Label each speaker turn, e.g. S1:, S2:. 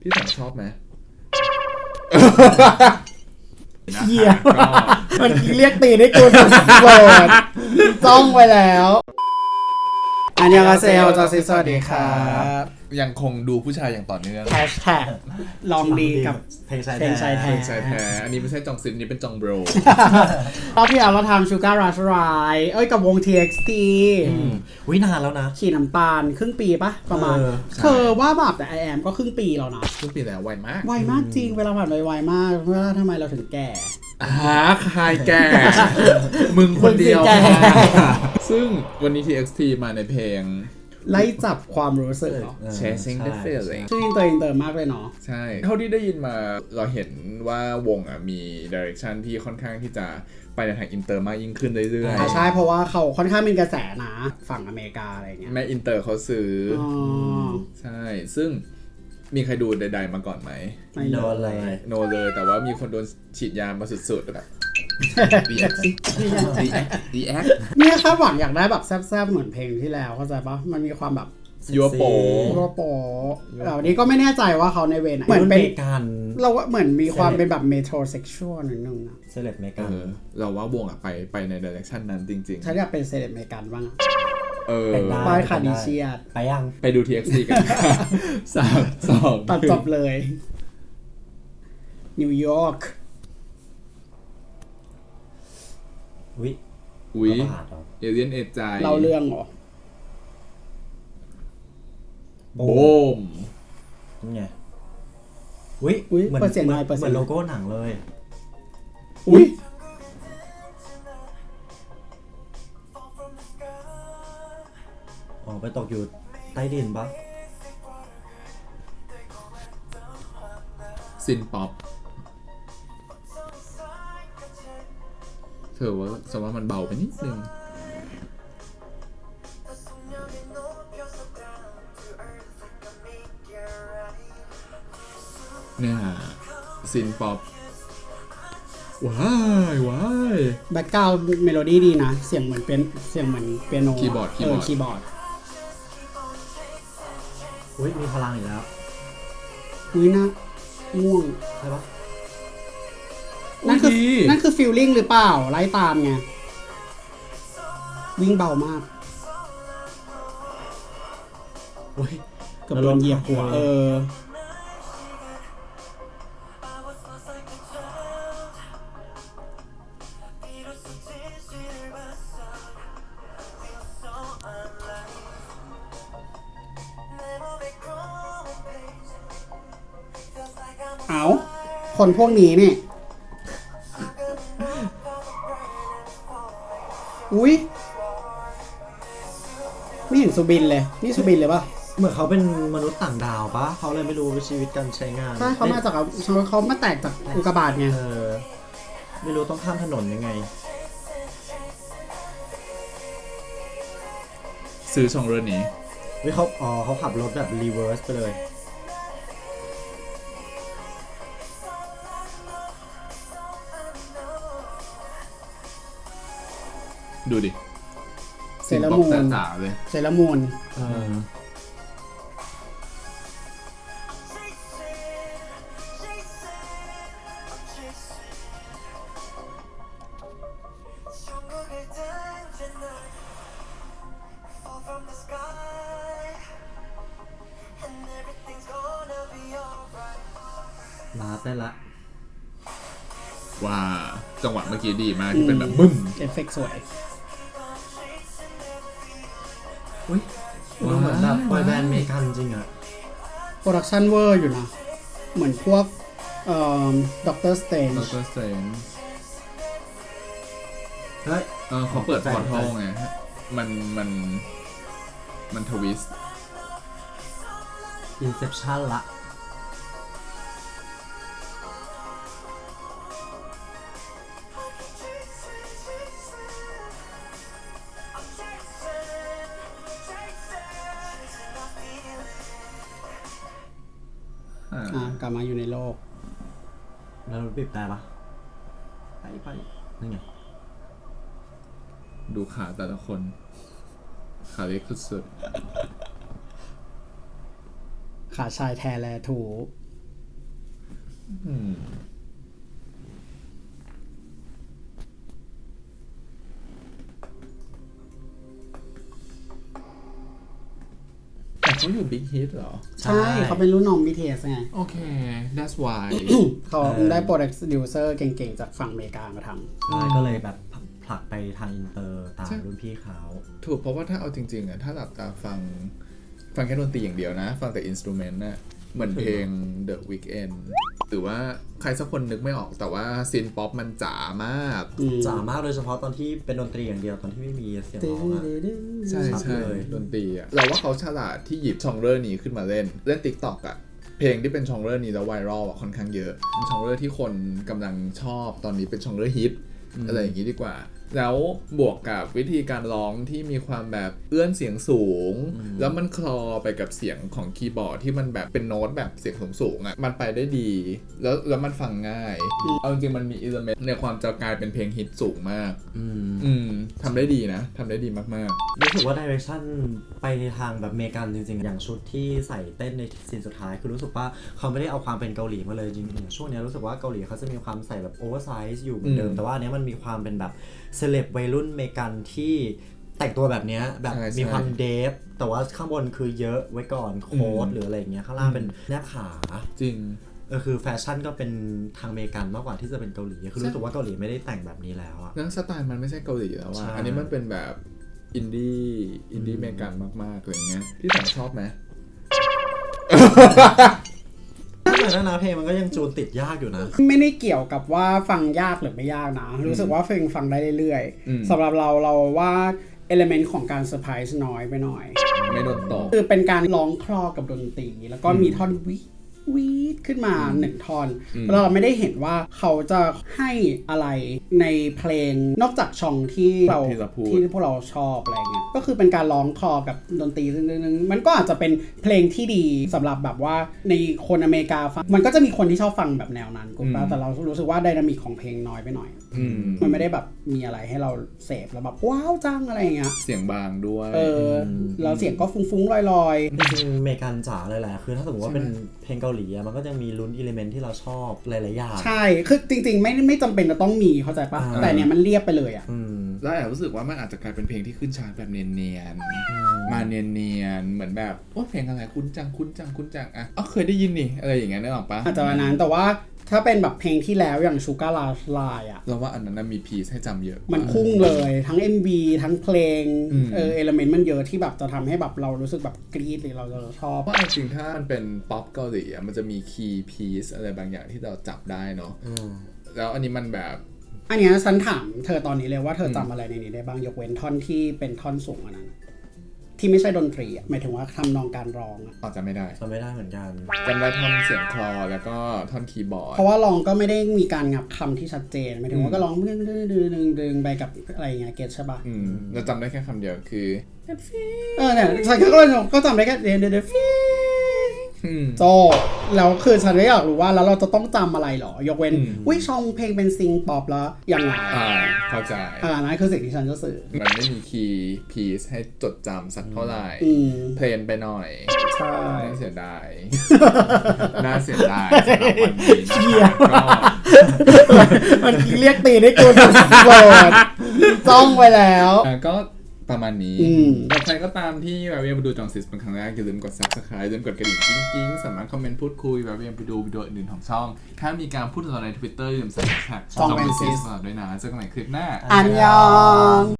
S1: พี่สังชอบไหม
S2: เหี้ยมันเรียกตีได้กูสุดโกรธจ้องไปแล้วอันยองอาเซโอจอซิสวัสดีครับ
S1: ยังคงดูผู้ชายอย่างต่อเนื่อง
S2: แฮชแท็กลองดีกับ
S3: เพลงชาย
S2: เพลงชายแท้
S1: ชายแท้อันนี้ไม่ใช่จองซินนี่เป็นจองโบร
S2: รอบที่แล้วเราทำ Sugar Rush Ride กับวง TXT
S3: วินานแล้วนะ
S2: ฉีดน้ำตาลครึ่งปีปะประมาณเธอว่าแบบแต่ I am ก็ครึ่งปีแล้วนะ
S1: ครึ่งปีแล้วไวมาก
S2: ไวมากจริงเวลาผ่านไปไวมากเวลาทำไมเราถึงแก่
S1: ใครแก่ มึงคนเดียว
S2: มึงสิแก่
S1: ซึ่งวันนี้ TXT มาในเพลง
S2: ไล่จับความรู้สึกเนาะ
S1: Chasing the Feeling
S2: ชื่ออินเตอร์มากเลยเนาะ
S1: ใช่ เท่าที่ได้ยินมาเราเห็นว่าวงมีดิเรกชันที่ค่อนข้างที่จะไปในทางอินเตอร์มากยิ่งขึ้นเรื่อยๆ
S2: ใช่เพราะว่าเขาค่อนข้างเป็นกระแสนะฝั่งอเมริกาอะไรเงี้ย
S1: แม่อินเตอร์เขาซื้ออ
S2: อ
S1: ใช่ ซึ่งมีใครดูใดๆมาก่อนไหม
S2: ไม่
S3: โด
S2: รู้
S3: นเลย
S1: โนเลย แต่ว่ามีคนโดนฉีดยามาสุดๆแบบดีแอคสิดีแอค
S2: เนี่ยคาดหวังอยากได้แบบแซ่บๆเหมือนเพลงที่แล้วเข้าใจปะมันมีความแบบ
S1: ยัวโป
S2: โรโปแต่วันนี้ก็ไม่แน่ใจว่าเขาในเวไหนเหมือนเป็น
S3: การ
S2: เราว่าเหมือนมีความเป็นแบบเมโทรเซ็กชวลนิดนึงนะ
S3: เซเลบเมกัน
S1: เราว่าวงไปในดิเรกชันนั้นจริง
S2: ฉันอยากเป็นเซเลบเมกันบ้างอะ
S1: ๆ
S2: บายคาดิเชียด
S3: ไปยัง
S1: ไปดู TXT กัน 3 2
S2: ตัดจบเลยนิวยอร์ก
S3: วิ
S1: อุ๊ย
S3: บาทเหรอ
S1: เอเลียนเอใจ
S2: เล่าเรื่องเหรอ
S1: โบม
S3: นี่ไงวิ
S2: อุ๊ย
S3: เหมือน
S2: เปิดเสียงหน่อยเปิด
S3: เห
S2: เสี
S3: มื
S2: ย
S3: อง น
S2: หน่
S3: โล
S2: อย
S3: โก้หนังเลย
S2: อุ้ย
S3: อ๋อไปตกอยู่ใต้ดินปะ
S1: ซินป๊อปเธอว่าสมมติว่ามันเบาไปนิดนึงเนี่ยซินป๊อปว้าย
S2: แบ็กกราวด์เมโลดี้ดีนะ เสียงเหมือนเป็นเสียงเหมือนเปียโน
S1: คีย์บอร์ด
S2: คีย์บอร์ด
S3: อุ้ยมีพลังอีกแล้ว
S2: อุ้ยนะง่วง
S3: ใช่ปะ
S2: นั่นคือ
S1: ดี
S2: นั่นคือฟีลลิ่งหรือเปล่า ไล่ตามไง วิ่งเบามาก
S3: อุ้ย
S2: เกือบโดนเหยียบหัวเอาคนพวกนี้นี่ อุ้ยไม่เห็นสุบินเลย นี่สุบินเลยป่ะ
S3: เหมือนเขาเป็นมนุษย์ต่างดาวปะเขาเลยไม่รู้ชีวิตการใช้งาน
S2: ใช่เขามาจากเขามาแตกจากอุกกาบาตไง
S3: ไม่รู้ต้องข้ามถนนยังไง
S1: ซื้อช่องเรื่องนี้
S3: วิเขาขับรถแบบรีเวิร์สไปเลย
S1: ดูดิ
S2: เซเลอร์มูน
S1: ซินป๊อปจ๋าๆเลย
S2: เซเลอร์มูน
S3: ลาได้ละ
S1: ว่าจังหวะเมื่อกี้ดีมากที่เป็นแบบบึ้ม
S2: เอฟเฟกต์สวย
S3: อุ้ยดูเหมือนแบบบอยแบนด์เมกันจริงอะ
S2: โปรดักชันเวอร์อยู่นะ เหมือนพวกด็อกเตอร์สเตน
S1: ดร. Strange
S3: เฮ้ย
S1: เขาเปิดพอร์ทัลไงมันทวิสต์
S3: อินเซปชั่นละ
S2: กลับมาอยู่ในโลก
S3: แล้วรถบีบแต่ปะไปนั่นไง
S1: ดูขาแต่ละคน ขาเล็กสุด
S2: ขาชายแทแลถู
S1: อืมแต่เขาอยู่ Big Hit เหรอ
S2: ใช่เขาเป็นรุ่นน้อง BTS ไง
S1: โอเค that's why
S2: เขาได้โปรดิวเซอร์เก่งๆ จากฝั่งอเมริกามาทำ
S3: ใช่ก็เลยแบบผลักไปทางอินเตอร์ตาม
S1: ใช่
S3: รุ่นพี่เขา
S1: ถูกเพราะว่าถ้าเอาจริงๆอ่ะถ้าหลับตาฟังแค่ดนตรีอย่างเดียวนะ ฟังแต่อินสตูเมนต์น่ะเหมือนเพลง The Weeknd หรือว่าใครสักคนนึกไม่ออกแต่ว่าซินป๊อปมันจ๋ามาก
S3: จ๋ามากโดยเฉพาะตอนที่เป็นดนตรีอย่างเดียวตอนที่ไม่มีเสียงร้องอะ
S1: ใช่
S3: ชัด
S1: ใช่
S3: เลย
S1: ดนตรีอ่ะเราว่าเขาฉลาดที่หยิบชองเรอร์นี้ขึ้นมาเล่น TikTok อ่ะ เพลงที่เป็นชองเรอร์นี้แล้วไวรัลอ่ะค่อนข้างเยอะเป็นชองเรอร์ที่คนกำลังชอบตอนนี้เป็นชองเรอร์ฮิตอะไรอย่างนี้ดีกว่า แล้วบวกกับวิธีการร้องที่มีความแบบเอื้อนเสียงสูง แล้วมันคลอไปกับเสียงของคีย์บอร์ดที่มันแบบเป็นโน้ตแบบเสียงสูงๆอ่ะมันไปได้ดี แล้วมันฟังง่ายเอาจริงๆมันมีอิเลเมนต์ในความจะกลายเป็นเพลงฮิตสูงมากทำได้ดีนะทำได้ดีมากๆ
S3: รู้สึกว่าดิเรกชันไปในทางแบบอเมริกันจริงๆ อย่างชุดที่ใส่เต้นในซีนสุดท้ายคือรู้สึกว่าเขาไม่ได้เอาความเป็นเกาหลีมาเลยจริงๆช่วงนี้รู้สึกว่าเกาหลีเขาจะมีความใส่แบบโอเวอร์ไซส์อยู่เหมือนเดิมแต่ว่าอันนี้มันมีความเป็นแบบเซเลบวัยรุ่นอเมริกันที่แต่งตัวแบบนี้แบบ
S1: ใช่
S3: มีความเดฟแต่ว่าข้างบนคือเยอะไว้ก่อนโค้ทหรืออะไรอย่างเงี้ยข้างล่างเป็นแนบขา
S1: จริง
S3: คือแฟชั่นก็เป็นทางอเมริกันมากกว่าที่จะเป็นเกาหลีคือรู้สึกว่าเกาหลีไม่ได้แต่งแบบนี้แล้วอะ
S1: แล้วสไตล์มันไม่ใช่เกาหลีแล้ว
S3: ใช่
S1: อันนี้มันเป็นแบบอินดี้อเมริกันมากๆอะไรเงี้ยที่ผมชอบไหม
S3: แต่นะเพลงมันก็ยังจูนติดยากอยู่นะ
S2: ไม่ได้เกี่ยวกับว่าฟังยากหรือไม่ยากนะ รู้สึกว่าฟังได้เรื่อยๆสำหรับเราว่าเอลิเมนต์ของการเซอร์ไพรส์น้อยไปหน่อย
S1: ไม่โดนตก
S2: คือเป็นการร้องคลอกับดนตรีแล้วก็มีท่อนวีดขึ้นมาหนึ่งท่อนแล้วเราไม่ได้เห็นว่าเขาจะให้อะไรในเพลงนอกจากช่องที่พวกเราชอบอะไรเงี้ยก็คือเป็นการร้องคลอกับดนตรีนึงมันก็อาจจะเป็นเพลงที่ดีสำหรับแบบว่าในคนอเมริกาฟังมันก็จะมีคนที่ชอบฟังแบบแนวนั้นกูแต่เรารู้สึกว่าไดนามิกของเพลงน้อยไปหน่อยมันไม่ได้แบบมีอะไรให้เราเสพแล้วแบบว้าวจังอะไรเงี้ย
S1: เสียงบางด้วย
S2: แล้วเสียงก็ฟุ้งๆลอยๆ
S3: จริงๆอเมริกันจ๋าเลยแหละคือถ้าสมมติว่าเป็นเพลงเกาหลีอะมันก็จะมีลุ้นอิเลเมนต์ที่เราชอบหลายๆอย่าง
S2: ใช่คือจริงๆไม่จำเป็นจะต้องมีเข้าใจปะแต่เนี่ยมันเรียบไปเลยอ่ะ
S1: แล้วแอบรู้สึกว่ามันอาจจะกลายเป็นเพลงที่ขึ้นชาร์ตแบบเนียนๆมาเนียนๆเหมือนแบบโอ้เพลงอะไรคุ้นจังอ่ะเคยได้ยินนี่อะไรอย่างเงี้ยนึกออกปะ
S2: อาจจะวันนั้นแต่ว่าถ้าเป็นแบบเพลงที่แล้วอย่างชูการ์ลายอ่ะ
S1: เราว่าอันนั้นมีพีซให้จำเยอะ
S2: มันพุ่งเลยทั้ง MV ทั้งเพลงเอลิเมนต์มันเยอะที่แบบจะทำให้แบบเรารู้สึกแบบกรี๊ดหรือเราชอบ
S1: เพราะจริงถ้ามันเป็นป๊อปเกาหลีมันจะมีคีย์พีซอะไรบางอย่างที่เราจับได้เนาะแล้วอันนี้มันแบบ
S2: อันเนี้ยฉันถามเธอตอนนี้เลยว่าเธอจำอะไรในนี้ได้บ้างยกเว้นท่อนที่เป็นท่อนสูงอันนั้นที่ไม่ใช่ดนตรีอ่ะหมายถึงว่าทำนองการร้องอ่ะ
S1: จำไม่ได้
S3: เหมือนกัน
S1: จำได้ท่อนเสียงคลอแล้วก็ท่อนคีย์บอร์ด
S2: เพราะว่าร้องก็ไม่ได้มีการงับคำที่ชัดเจนหมายถึงว่าก็ร้องดึงไปกับอะไรอย่างเงี้ยเก็ตใช่ป่ะ
S1: เราจำได้แค่คำเดียวคือ
S2: เนี่ยฉันก็จำได้แค่เดฟีโจแล้วคือฉันก็อยากรู้ว่าแล้วเราจะต้องจำอะไรหรอยกเว้นวิชองเพลงเป็นซิงป๊อปแล้วยังไง
S1: เข้าใจ
S2: นั่นคือสิ่งที่ฉันจะสื่อ
S1: มันไม่มีคีย์พีซให้จดจำสักเท่าไหร่เพลนไปหน่อย
S2: ใช่
S1: น่าเสียดายสำหรับวันนี้ก็
S2: มันเรียกตีได้กูสุดโกรธจ้องไปแล้ว
S1: ก็ประมาณนี้ใครก็ตามที่แบบมาดูจองซิสเป็นครั้งแรกอย่าลืมกด Subscribe อย่าลืมกดกระดิ่งกิ๊งๆสามารถคอมเมนต์พูดคุยแบบไปดูวิดีโออื่นของช่องถ้ามีการพูดถึงใน Twitter อย่าลืมใส่แท็ก
S2: ช่องเป็นซิส
S1: ด้วยนะเจอกันใหม่คลิปหน้า
S2: อันยอง